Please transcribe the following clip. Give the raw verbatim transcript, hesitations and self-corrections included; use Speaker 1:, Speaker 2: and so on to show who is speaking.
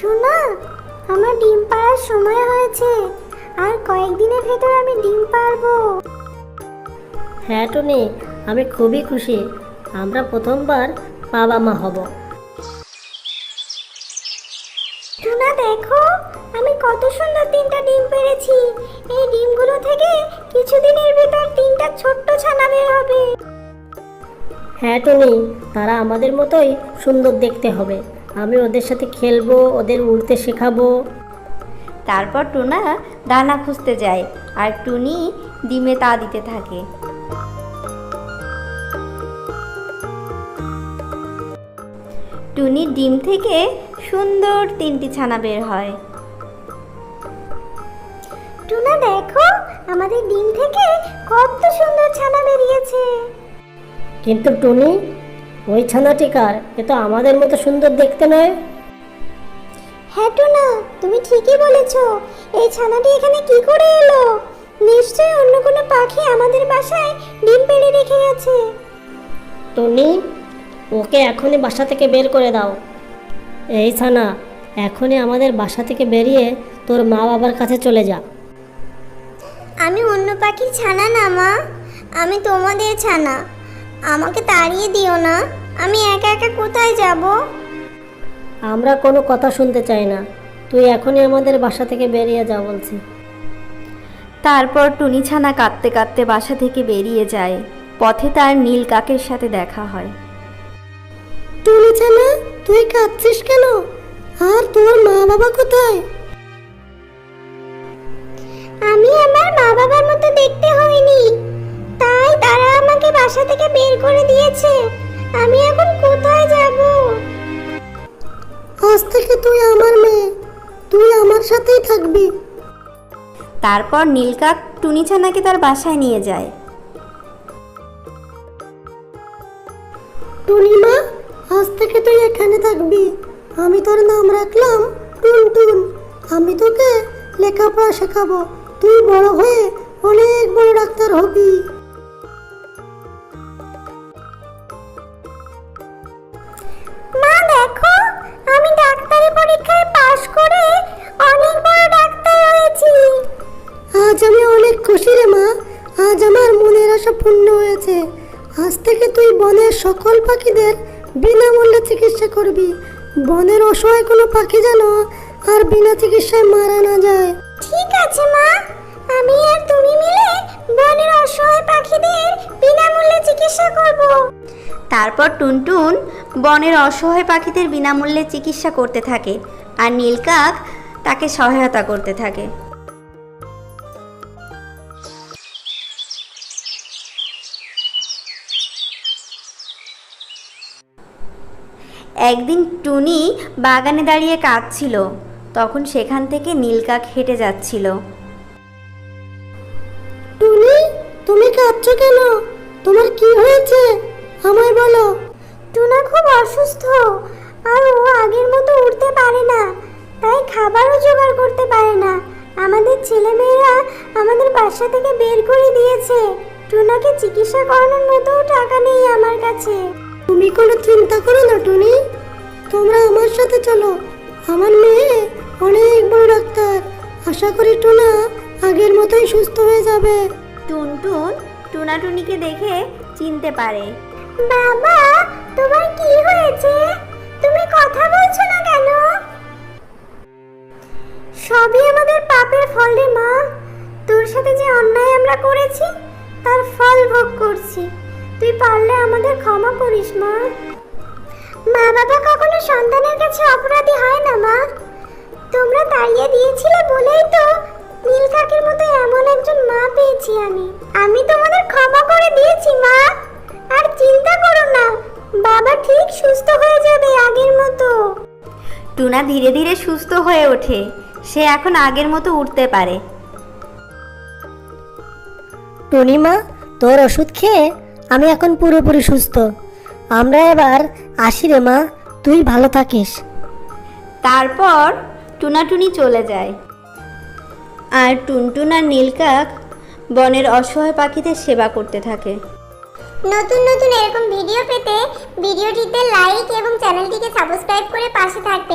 Speaker 1: Tuna, আমার ডিম পাড়ার সময় হয়েছে, আর কয়েকদিনের ভেতর আমি ডিম পারবো।
Speaker 2: হ্যাঁ টুনি, আমি খুবই খুশি। আমরা প্রথমবার বাবা মা হব।
Speaker 1: টুনা দেখো, আমি কত সুন্দর তিনটা ডিম পেড়েছি। এই ডিমগুলো থেকে কিছুদিনের ভেতর তিনটা ছোট্ট ছানা বের হবে।
Speaker 2: হ্যাঁ টুনি, তারা আমাদের মতোই সুন্দর দেখতে হবে। আমি ওদের সাথে খেলবো, ওদের উড়তে শেখাবো।
Speaker 3: তারপর টুনা দানা খুঁজতে যায় আর টুনি ডিমে তা দিতে থাকে। টুনির ডিম থেকে সুন্দর তিনটি ছানা বের হয়।
Speaker 1: টুনা দেখো, আমাদের ডিম থেকে কত সুন্দর ছানা বেরিয়েছে।
Speaker 2: কিন্তু টুনি, ওই ছানাটি কার? এ তো আমাদের মতো সুন্দর দেখতে নয়।
Speaker 1: হ্যাঁ টুনা, তুমি ঠিকই বলেছ। এই ছানাটি এখানে কি করে এলো? নিশ্চয়ই অন্য কোনো পাখি আমাদের বাসায় ডিম পেড়ে রেখে গেছে।
Speaker 2: টুনি, ওকে এখনই বাসা থেকে বের করে দাও। এই ছানা, এখনই আমাদের বাসা থেকে বেরিয়ে তোর মা বাবার কাছে চলে যা।
Speaker 1: আমি অন্য পাখির ছানা না মা, আমি তোমাদের ছানা। আমাকে তাড়িয়ে দিও না, আমি একা একা কোথায় যাব?
Speaker 2: আমরা কোনো কথা শুনতে চাই না, তুই এখনই আমাদের বাসা থেকে বেরিয়ে যা বলছি।
Speaker 3: তারপর টুনি ছানা কাঁদতে কাঁদতে বাসা থেকে বেরিয়ে যায়। পথে তার নীল কাকের সাথে দেখা হয়।
Speaker 2: টুনি ছানা, তুই কাঁদছিস কেন? আর তোর মা বাবা কোথায়?
Speaker 1: আমি আমার মা বাবার মতো দেখতে হইনি, তাই তারা আমাকে বাসা থেকে বের করে দিয়েছে। আমি এখন কোথায় যাব?
Speaker 2: আজ থেকে তুই আমার মেয়ে, তুই আমার সাথেই থাকবি।
Speaker 3: তারপর নীলকাক টুনি ছানাকে তার বাসায় নিয়ে যায়।
Speaker 2: টুনি মা, আজ থেকে তুই এখানে থাকবি। আমি তোর নাম রাখলাম টুনটুন। আমি তোকে লেখাপড়া শেখাবো, তুই বড় হয়ে অনেক বড় ডাক্তার হবি।
Speaker 1: মা দেখো, আমি ডাক্তারি পরীক্ষায় পাশ করে অনেক বড় ডাক্তার হয়েছি।
Speaker 2: আজ আমি অনেক খুশি রে মা, আজ আমার মনের আশা পূর্ণ হয়েছে। আজ থেকে তুই বনের সকল পাখিদের বিনামূল্যে চিকিৎসা করবি। বনের অসহায় কোনো পাখি যেন আর বিনা চিকিৎসায় মারা না যায়।
Speaker 1: ঠিক আছে মা, আমি আর তুমি মিলে বনের অসহায় পাখিদের বিনামূল্যে চিকিৎসা করব।
Speaker 3: তারপর টুনটুন বনের অসহায় পাখিদের বিনামূল্যে চিকিৎসা করতে থাকে আর নীলকাক তাকে সহায়তা করতে থাকে। একদিন টুনি বাগানে দাঁড়িয়ে কাঁদছিল। তখন সেখান থেকে নীলকাক হেঁটে যাচ্ছিল।
Speaker 2: টুনি, তুমি কাঁদছো কেন? তোমার কি হয়েছে আমায় বলো।
Speaker 1: টুনা খুব অসুস্থ, আর ও আগের মতো উঠতে পারে না, তাই খাবারও জোগাড় করতে পারে না। আমাদের ছেলেমেয়েরা আমাদের বাসা থেকে বের করে দিয়েছে। টুনাকে চিকিৎসা করানোর মতো টাকা নেই আমার কাছে।
Speaker 2: তুমি কোনো চিন্তা করো না টুনি, তোমরা আমার সাথে চলো। আমার মেয়ে অনেক বড় ডাক্তার। আশা করি টুনা আগের মতোই সুস্থ হয়ে যাবে।
Speaker 3: টুনটুন টুনাটুনিকে দেখে চিনতে পারে।
Speaker 1: বাবা, তোমার কি হয়েছে? তুমি কথা বলছো না কেন? সবই আমাদের পাপের ফল রে মা। তোর সাথে যে অন্যায় আমরা করেছি তার ফল ভোগ করছি। তুই পারলে আমাদের ক্ষমা করিস মা। মা বাবা কখনো সন্তানের কাছে অপরাধী হয় না মা। তোমরা তাড়িয়ে দিয়েছিলে বলেই তো নীল কাকের মতো এমন একজন মা পেয়েছি আমি। আমি তোমাদের ক্ষমা করে দিয়েছি মা, আর চিন্তা করো না, বাবা ঠিক সুস্থ হয়ে যাবে আগের মতো।
Speaker 3: টুনা ধীরে ধীরে সুস্থ হয়ে ওঠে। সে এখন আগের মতো উঠতে পারে।
Speaker 2: টুনিমা, তোর ওষুধ খেয়ে আমি এখন পুরোপুরি সুস্থ। আমরা এবার আসি রে মা, তুই ভালো থাকিস।
Speaker 3: তারপর টুনাটুনি চলে যায় আর টুনটুন আর নীলকাক বনের অসহায় পাখিদের সেবা করতে থাকে।
Speaker 1: নতুন নতুন এরকম ভিডিও পেতে ভিডিওটিতে লাইক এবং চ্যানেলটিকে সাবস্ক্রাইব করে পাশে থাকবেন।